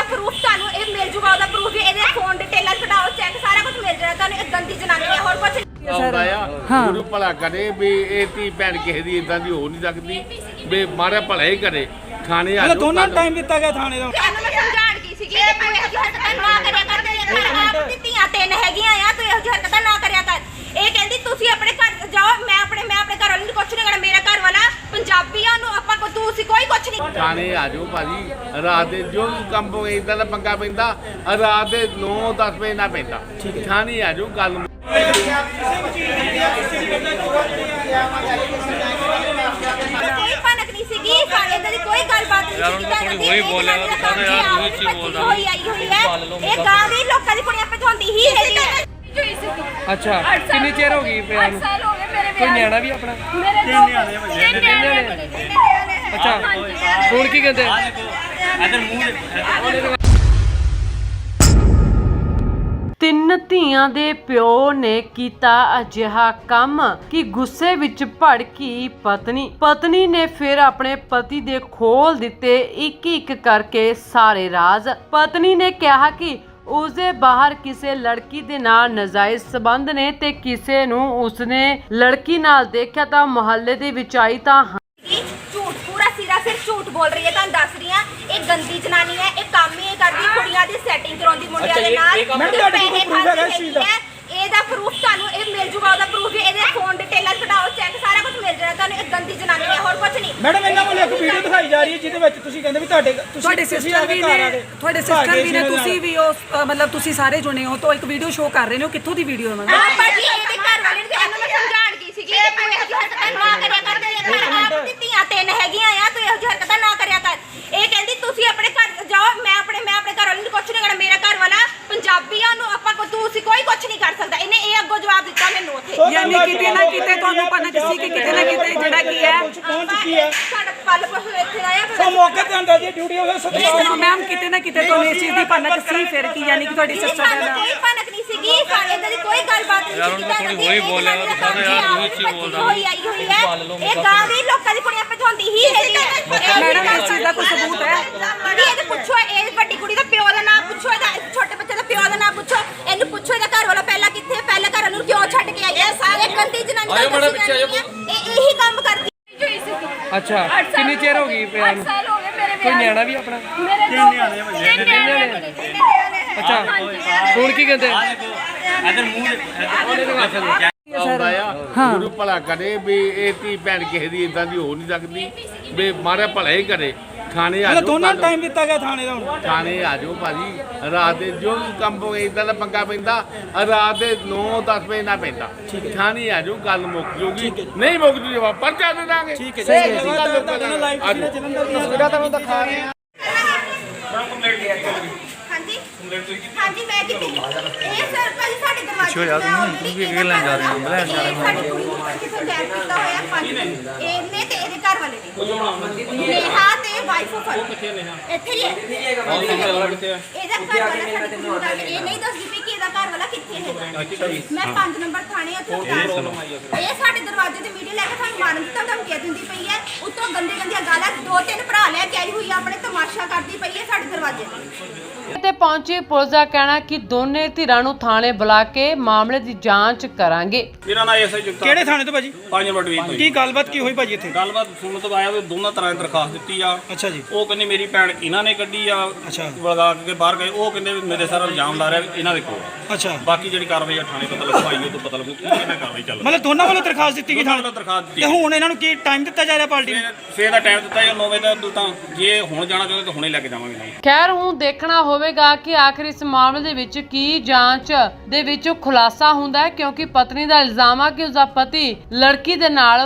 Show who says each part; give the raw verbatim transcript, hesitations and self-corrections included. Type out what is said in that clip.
Speaker 1: Proof ਤੁਹਾਨੂੰ ਇਹ ਮਿਲ ਜੂਗਾ, ਉਹਦਾ ਪ੍ਰੂਫ ਵੀ ਇਹਦੇ ਫੋਨ ਡਿਟੇਲਾਂ ਕਢਾਓ, ਚੈੱਕ ਸਾਰਾ ਕੁਝ ਮਿਲ ਜਾਣਾ ਤੁਹਾਨੂੰ। ਇਹ ਗੰਦੀ ਜਨਾਨੀ ਹੈ, ਹੋਰ ਕੁਝ
Speaker 2: ਆਉਂਦਾ ਆ ਗੁਰੂ ਭਲਾ ਕਰੇ ਵੀ ਇਹ ਧੀ ਭੈਣ ਕਿਸੇ ਦੀ ਇਦਾਂ ਦੀ ਹੋ ਨਹੀਂ ਸਕਦੀ ਵੀ ਮਾੜਾ ਭਲਾ ਹੀ ਕਰੇ। ਥਾਣੇ ਆ ਜਾਓ,
Speaker 3: ਦੋਨਾਂ ਟਾਈਮ ਦਿੱਤਾ ਗਿਆ ਥਾਣੇ ਦਾ।
Speaker 1: ਇਹਨੂੰ ਮੈਂ ਸਮਝਾਣ ਕੀ ਸੀਗੀ ਕਿ ਤੂੰ ਇਹੋ ਜਿਹੀ ਹਰਕਤਾਂ ਨਾ ਕਰਿਆ ਕਰ, ਤੇਰੇ ਘਰ ਆਪ ਦੀ ਧੀਆਂ ਤਿੰਨ ਹੈਗੀਆਂ ਆ, ਤੂੰ ਇਹੋ ਜਿਹੀ ਹਰਕਤਾਂ ਨਾ ਕਰਿਆ ਕਰ। ਇਹ ਕਹਿੰਦੀ ਤੁਸੀਂ ਆਪਣੇ ਘਰ ਜਾਓ, ਮੈਂ ਆਪਣੇ ਮੈਂ ਆਪਣੇ ਘਰ ਵਾਲੇ ਨੂੰ ਕੁਛ ਨਹੀਂ ਕਰਨਾ, ਮੇਰਾ ਘਰ ਵਾਲਾ ਪੰਜਾਬੀ ਆ, ਉਹਨੂੰ ਆਪਾਂ ਕੋ ਤੁਸੀਂ ਕੋਈ ਕੁਛ ਨਹੀਂ।
Speaker 2: ਥਾਣੇ ਆ ਜਾਓ ਭਾਜੀ, ਰਾਤ ਦੇ ਜੋ ਵੀ ਕੰਮ ਹੋਵੇ ਇਦਾਂ ਦਾ ਪੰਗਾ ਪੈਂਦਾ ਰਾਤ ਦੇ ਨੌ ਦਸ ਵਜੇ ਨਾ ਪੈਂਦਾ। ਥਾਣੇ ਆ ਜਾਓ, ਗੱਲ
Speaker 1: ਕੋਈ ਭਨਕ ਨਹੀਂ ਸੀਗੀ, ਸਾਡੇ ਦੀ ਕੋਈ ਗੱਲਬਾਤ ਨਹੀਂ ਸੀਗੀ। ਉਹੀ ਬੋਲਿਆ ਹੋਈ ਆਈ ਹੋਈ ਹੈ, ਇਹ ਗਾਂ ਦੀ ਲੋਕਾਂ ਦੀ ਕੁੜੀਆਂ ਪਛਾਉਂਦੀ ਹੀ ਹੈਗੀ ਹੈ।
Speaker 4: ਅੱਛਾ, ਕਿੰਨੀ ਚਿਰ ਹੋ ਗਈ ਪਿਆ ਨੂੰ? ਕੋਈ ਨਿਆਣਾ ਵੀ ਆਪਣਾ?
Speaker 1: ਤਿੰਨ ਨਿਆਣੇ ਤਿੰਨ ਨਿਆਣੇ।
Speaker 4: ਅੱਛਾ, ਹੁਣ ਕੀ ਕਹਿੰਦੇ? ਤਿੰਨ ਧੀਆਂ ਦੇ ਪਿਓ ਨੇ ਕੀਤਾ ਅਜਿਹਾ ਕੰਮ ਕਿ ਗੁੱਸੇ ਵਿੱਚ ਭੜਕੀ ਪਤਨੀ ਪਤਨੀ ਨੇ ਫਿਰ ਆਪਣੇ ਪਤੀ ਦੇ ਖੋਲ ਦਿੱਤੇ ਇੱਕ ਇੱਕ ਕਰਕੇ ਸਾਰੇ ਰਾਜ਼। ਪਤਨੀ ਨੇ ਕਿਹਾ ਕਿ ਉਸਦੇ ਬਾਹਰ ਕਿਸੇ ਲੜਕੀ ਦੇ ਨਾਲ ਨਾਜਾਇਜ਼ ਸਬੰਧ ਨੇ ਤੇ ਕਿਸੇ ਨੂੰ ਉਸਨੇ ਲੜਕੀ ਨਾਲ ਦੇਖਿਆ ਤਾਂ ਮੁਹੱਲੇ ਦੇ ਵਿੱਚ ਆਈ ਤਾਂ
Speaker 1: ਝੂਠ, ਪੂਰਾ ਸਿਰਾ ਸਿਰ ਝੂਠ ਬੋਲ ਰਹੀ ਹੈ। ਤੁਹਾਨੂੰ ਦੱਸ ਰਹੀ ਹਾਂ, ਇਹ ਗੰਦੀ ਜਨਾਨੀ ਹੈ, ਇਹ ਕੰਮ ਹੀ ਇਹ ਕਰਦੀ, ਕੁੜੀਆਂ ਦੀ ਸੈਟਿੰਗ ਕਰਾਉਂਦੀ ਮੁੰਡਿਆਂ ਦੇ ਨਾਲ, ਪੈਸੇ ਖਾਂਦੀ ਹੈ। ਇਹਦਾ ਪ੍ਰੂਫ ਤੁਹਾਨੂੰ ਇਹ ਮਿਲ ਜੂਗਾ, ਉਹਦਾ ਪ੍ਰੂਫ ਵੀ ਇਹਦੇ ਫੋਨ ਡਿਟੇਲਾਂ ਕਢਾਓ, ਚੈੱਕ ਸਾਰਾ ਕੁਝ ਮਿਲ ਜਾਣਾ ਤੁਹਾਨੂੰ। ਇਹ ਗੰਦੀ ਜਨਾਨੀ ਹੈ, ਹੋਰ ਕੁਝ ਨਹੀਂ।
Speaker 3: ਮੈਡਮ ਇਹਨਾਂ ਵੱਲੋਂ ਇੱਕ ਵੀਡੀਓ ਦਿਖਾਈ ਜਾ ਰਹੀ ਹੈ ਜਿਹਦੇ ਵਿੱਚ ਤੁਸੀਂ ਕਹਿੰਦੇ ਵੀ ਤੁਹਾਡੇ
Speaker 5: ਤੁਹਾਡੇ ਸਿਸਟਰ ਵੀ ਨੇ, ਤੁਹਾਡੇ ਸਿਸਟਰ ਵੀ ਨੇ, ਤੁਸੀਂ ਵੀ ਉਹ ਮਤਲਬ ਤੁਸੀਂ ਸਾਰੇ ਜੁੜੇ ਹੋ ਤਾਂ ਇੱਕ ਵੀਡੀਓ ਸ਼ੋਅ ਕਰ ਰਹੇ ਨੇ। ਕਿੱਥੋਂ ਦੀ ਵੀਡੀਓ ਉਹਨਾਂ
Speaker 1: ਆ ਭਾਜੀ ਇਹਦੇ ਘਰ ਵਾਲੇ ਨੂੰ ਇਹਨੂੰ ਮੈਂ ਸਮਝਾਣ ਕੀ ਸੀਗੀ ਕਿ ਤੂੰ ਇਹੋ ਜਿਹੀ ਹਰਕਤਾਂ ਨਾ ਕਰਿਆ ਕਰ, ਤੇਰੇ ਘਰ ਆਪ ਦੀ ਧੀਆਂ ਤਿੰਨ ਹੈਗੀਆਂ ਆ, ਤੂੰ ਇਹੋ ਜਿਹੀ ਹਰਕਤਾਂ ਨਾ ਕਰਿਆ ਕਰ। ਇਹ ਕਹਿੰਦੀ ਤੁਸੀਂ ਆਪਣੇ ਘਰ ਜਾਓ, ਮੈਂ ਆਪਣੇ ਮੈਂ ਆਪਣੇ ਘਰ ਵਾਲੇ ਨੂੰ ਕੁਛ ਨਹੀਂ ਕਰਨਾ, ਮੇਰਾ ਘਰ ਵਾਲਾ ਪੰਜਾਬੀ ਆ, ਉਹਨੂੰ ਆਪਾਂ ਤੁਸੀਂ ਕੋਈ ਕੁਛ ਨਹੀਂ ਕਰ ਸਕਦਾ। ਇਹਨੇ ਇਹ ਅੱਗੋਂ ਜਵਾਬ ਦਿੱਤਾ ਮੈਨੂੰ ਉੱਥੇ।
Speaker 5: ਯਾਨੀ ਕਿਤੇ ਨਾ ਕਿਤੇ ਤੁਹਾਨੂੰ ਪਤਾ ਸੀ ਕਿ ਕਿਤੇ ਨਾ ਕਿਤੇ ਜਿਹੜਾ ਕੀ ਹੈ
Speaker 3: ਪਹੁੰਚ ਚੁੱਕੀ ਹੈ।
Speaker 1: ਸਾਡਾ ਪਲ ਪਲ ਇੱਥੇ ਆਇਆ
Speaker 3: ਸੋ ਮੌਕੇ ਤੇ ਆਂਦਾ ਜੀ ਡਿਊਟੀ ਹੋਵੇ ਸਤਿਕਾਰ।
Speaker 5: ਮੈਮ ਕਿਤੇ ਨਾ ਕਿਤੇ ਤੁਹਾਨੂੰ ਇਸ ਚੀਜ਼ ਦੀ ਭਨਕ ਸੀ ਫਿਰ ਕੀ ਯਾਨੀ ਕਿ ਤੁਹਾਡੀ ਸਿਸਟਰ ਦਾ
Speaker 1: ਕੋਈ ਭਨਕ ਨਹੀਂ ਸੀਗੀ, ਸਾਡੇ ਦੀ ਕੋਈ ਗੱਲਬਾਤ ਨਹੀਂ ਸੀਗੀ। ਉਹੀ ਬੋਲਿਆ ਹੋਈ ਆਈ ਹੋਈ ਹੈ, ਇਹ ਗਾਂ ਦੀ ਲੋਕਾਂ ਦੀ ਕੁੜੀਆਂ ਪਛਾਉਂਦੀ ਹੀ ਹੈਗੀ ਹੈ।
Speaker 5: ਮੈਡਮ ਇਸ ਚੀਜ਼ ਦਾ ਕੋਈ ਸਬੂਤ ਹੈ?
Speaker 1: ਇਹਦੇ ਪੁੱਛੋ, ਇਹ ਵੱਡੀ ਕੁੜੀ ਦਾ ਪਿਓ ਦਾ ਨਾਮ ਪੁੱਛੋ, ਇਹਦਾ ਛੋਟੇ ਬੱਚੇ ਦਾ ਪਿਓ ਦਾ ਨਾਮ ਪੁੱਛੋ, ਇਹਨੂੰ ਪੁੱਛੋ ਇਹਦਾ ਘਰ ਵਾਲਾ ਪਹਿਲਾਂ ਕਿੱਥੇ, ਪਹਿਲੇ ਘਰ ਨੂੰ ਕਿਉਂ ਛੱਡ ਕੇ ਆਈ ਹੈ। ਸਾਰੇ ਗੰਦੀ ਜਨਾਨੀ ਦਾ ਇਹ ਇਹੀ ਕੰਮ ਕਰਦੀ।
Speaker 4: ਅੱਛਾ, ਕਿੰਨੀ ਚਿਰ ਹੋ ਗਈ ਪਿਆ ਨੂੰ? ਕੋਈ ਨਿਆਣਾ ਵੀ ਆਪਣਾ?
Speaker 1: ਤਿੰਨ ਨਿਆਣੇ।
Speaker 4: ਅੱਛਾ, ਹੁਣ ਕੀ ਕਹਿੰਦੇ?
Speaker 2: ਆਉਂਦਾ ਆ ਗੁਰੂ ਭਲਾ ਕਰੇ ਵੀ ਇਹ ਧੀ ਭੈਣ ਕਿਸੇ ਦੀ ਇਦਾਂ ਦੀ ਹੋ ਨਹੀਂ ਸਕਦੀ ਵੀ ਮਾੜਾ ਭਲਾ ਹੀ ਕਰੇ। ਥਾਣੇ ਆ ਜਾਓ,
Speaker 3: ਦੋਨਾਂ ਟਾਈਮ ਦਿੱਤਾ ਗਿਆ ਥਾਣੇ ਦਾ।
Speaker 2: ਥਾਣੇ ਆ ਜਾਓ ਭਾਜੀ, ਰਾਤ ਦੇ ਜੋ ਵੀ ਕੰਮ ਹੋਵੇ ਇਦਾਂ ਦਾ ਪੰਗਾ ਪੈਂਦਾ ਰਾਤ ਦੇ ਨੌ ਦਸ ਵਜੇ ਨਾ ਪੈਂਦਾ। ਥਾਣੇ ਆ ਜਾਓ, ਗੱਲ ਮੁੱਕ ਜੂਗੀ, ਨਹੀਂ ਮੁੱਕ ਜੂ ਜਵਾਬ ਪਰਚਾ ਦੇ ਦਾਂਗੇ।
Speaker 3: ਠੀਕ ਹੈ ਜੀ, ਲਾਈਵ ਜਲੰਧਰ ਦੀ ਤਸਵੀਰਾਂ ਤੁਹਾਨੂੰ ਦਿਖਾ ਰਹੇ ਹਾਂ।
Speaker 1: ਹਾਂਜੀ ਹਾਂਜੀ ਮੈਂ ਕਿਤੇ ਇਹ ਸਰ ਭਾਜੀ ਸਾਡੇ ਦਰਵਾਜ਼ੇ
Speaker 6: ਪਿੱਛੇ ਜਾ ਤੂੰ ਤੂੰ ਵੀ ਕੀ ਲੈਣ ਜਾ ਰਹੀ ਹੈ? ਮੈਂ ਲੈਣ ਜਾ ਰਹੀ ਹਾਂ।
Speaker 1: ਸਾਡੀ ਕੁੜੀ ਨੂੰ ਕਿਤੇ ਗੈਰ ਕੀਤਾ ਹੋਇਆ ਪੰਜ ਇਹਨੇ ਤੇ ਇਹਦੇ ਘਰ ਵਾਲੇ ਨੇ ਨੇਹਾ ਤੇ ਵਾਈਫ ਆਫ ਇੱਥੇ ਹੀ ਹੈ। ਇਹਦਾ ਘਰ ਵਾਲਾ ਸਾਡੇ ਕੋਲ ਇਹ ਨਹੀਂ ਦੱਸਦੀ ਪਈ ਕਿ ਇਹਦਾ ਘਰ ਵਾਲਾ ਕਿੱਥੇ ਹੈ। ਮੈਂ ਪੰਜ ਨੰਬਰ ਥਾਣੇ ਉੱਥੇ ਇਹ ਸਾਡੇ ਦਰਵਾਜ਼ੇ ਤੇ ਵੀਡੀਓ ਲੈ ਕੇ ਸਾਨੂੰ ਮਾਰਨ ਦੀ ਧਮਕੀਆਂ ਦਿੰਦੀ ਪਈ ਹੈ। ਉੱਤੋਂ ਗੰਦੇ ਗੰਦੀਆਂ ਗਾਲਾਂ ਦੋ ਤਿੰਨ ਭਰਾ ਲੈ ਕੇ ਆਈ ਹੋਈ ਆ, ਆਪਣੇ ਤਮਾਸ਼ਾ ਕਰਦੀ ਪਈ ਹੈ ਸਾਡੇ ਦਰਵਾਜ਼ੇ ਤੇ।
Speaker 4: ਤੇ ਪਹੁੰਚੀ ਪੁਲਿਸ ਦਾ ਕਹਿਣਾ ਕਿ ਦੋਨੇ ਧਿਰਾਂ ਨੂੰ ਥਾਣੇ ਬੁਲਾ ਕੇ ਮਾਮਲੇ ਦੀ ਜਾਂਚ ਕਰਾਂਗੇ।
Speaker 7: ਮੇਰਾ ਨਾਮ ਐਸਆਈ ਜਗਤਾਰ।
Speaker 3: ਕਿਹੜੇ ਥਾਣੇ ਤੋਂ ਭਾਜੀ?
Speaker 7: ਪੰਜ ਨੰਬਰ ਡਿਵੀਜ਼ਨ ਤੋਂ।
Speaker 3: ਕੀ ਗੱਲਬਾਤ ਕੀ ਹੋਈ ਭਾਜੀ ਇੱਥੇ?
Speaker 7: ਗੱਲਬਾਤ ਸੁਣਨ ਤੋਂ ਆਇਆ ਵੀ ਦੋਨਾਂ ਤਰ੍ਹਾਂ ਦੀ ਦਰਖਾਸਤ ਦਿੱਤੀ ਆ।
Speaker 3: ਅੱਛਾ ਜੀ।
Speaker 7: ਉਹ ਕਹਿੰਦੇ ਮੇਰੀ ਭੈਣ ਇਹਨਾਂ ਨੇ ਕੱਢੀ ਆ,
Speaker 3: ਅੱਛਾ,
Speaker 7: ਵਲਗਾ ਕੇ ਬਾਹਰ ਗਏ। ਉਹ ਕਹਿੰਦੇ ਵੀ ਮੇਰੇ ਸਾਰਾ ਇਲਜ਼ਾਮ ਲਾ ਰਿਹਾ ਵੀ ਇਹਨਾਂ ਦੇ ਕੋਲ।
Speaker 3: ਅੱਛਾ,
Speaker 7: ਬਾਕੀ ਜਿਹੜੀ ਕਾਰਵਾਈ ਆ ਥਾਣੇ ਪਤਾ ਲੱਗੂ, ਆਈ ਉਹ ਤੋਂ ਪਤਾ ਲੱਗੂ ਕੀ ਇਹਨਾਂ ਕਾਰਵਾਈ ਚੱਲ ਰਹੀ।
Speaker 3: ਮਤਲਬ ਦੋਨਾਂ ਵੱਲੋਂ ਦਰਖਾਸਤ ਦਿੱਤੀ ਗਈ
Speaker 7: ਦੋਨਾਂ
Speaker 3: ਥਾਣੇ?
Speaker 7: ਵੱਲੋਂ ਦਰਖਾਸਤ ਦਿੱਤੀ।
Speaker 3: ਤੇ ਹੁਣ ਇਹਨਾਂ ਨੂੰ ਕੀ ਟਾਈਮ ਦਿੱਤਾ ਜਾ ਰਿਹਾ ਪਾਰਟੀ ਨੂੰ?
Speaker 7: ਸਵੇਰ ਦਾ ਟਾਈਮ ਦਿੱਤਾ ਜਾਂ ਨੌ ਵਜੇ ਦਾ ਤਾਂ ਜੇ ਹੁਣ ਜਾਣਾ ਚਾਹੁੰਦੇ ਤਾਂ ਹੁਣੇ ਲੈ ਕੇ ਜਾਵਾਂਗੇ।
Speaker 4: ਖੈਰ ਹੁਣ ਦੇਖਣਾ ਹੋਵੇਗਾ ਕਿ ਆਖਿਰ ਇਸ ਮਾਮਲੇ ਦੇ ਵਿੱਚ ਕੀ ਜਾਂਚ ਦੇ ਵਿੱਚ ਖੁਲਾਸਾ ਹੁੰਦਾ ਹੈ, ਕਿਉਂਕਿ ਪਤਨੀ ਦਾ ਇਲਜ਼ਾਮ ਆ ਕਿ ਉਸਦਾ ਪਤੀ ਲੜਕੀ ਦੇ ਨਾਲ